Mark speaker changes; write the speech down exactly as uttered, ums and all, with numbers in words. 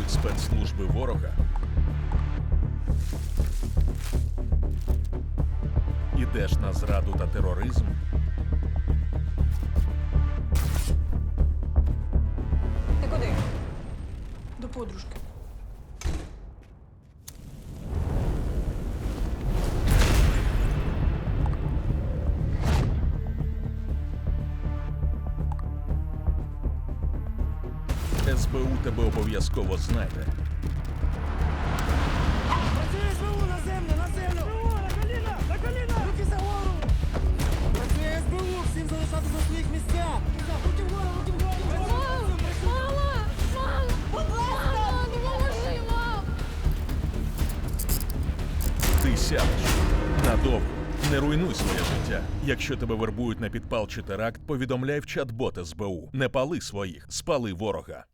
Speaker 1: використовують спецслужби ворога, ідеш на зраду та тероризм,
Speaker 2: Ти куди? До подружки.
Speaker 1: ес бе у тебе обов'язково знайде.
Speaker 3: Працює СБУ на землю, на землю! СБУ, на коліна, на коліна! Руки за гору! Працює СБУ, всім залишатися на своїх місцях! Руки вгору, руки вгору!
Speaker 4: Мам! Мама! Мам! Мама, допоможи, мам!
Speaker 1: Ти сядеш надовго. Не руйнуй своє життя. Якщо тебе вербують на підпал чи теракт, повідомляй в чат-бот ес бе у. Не пали своїх, спали ворога.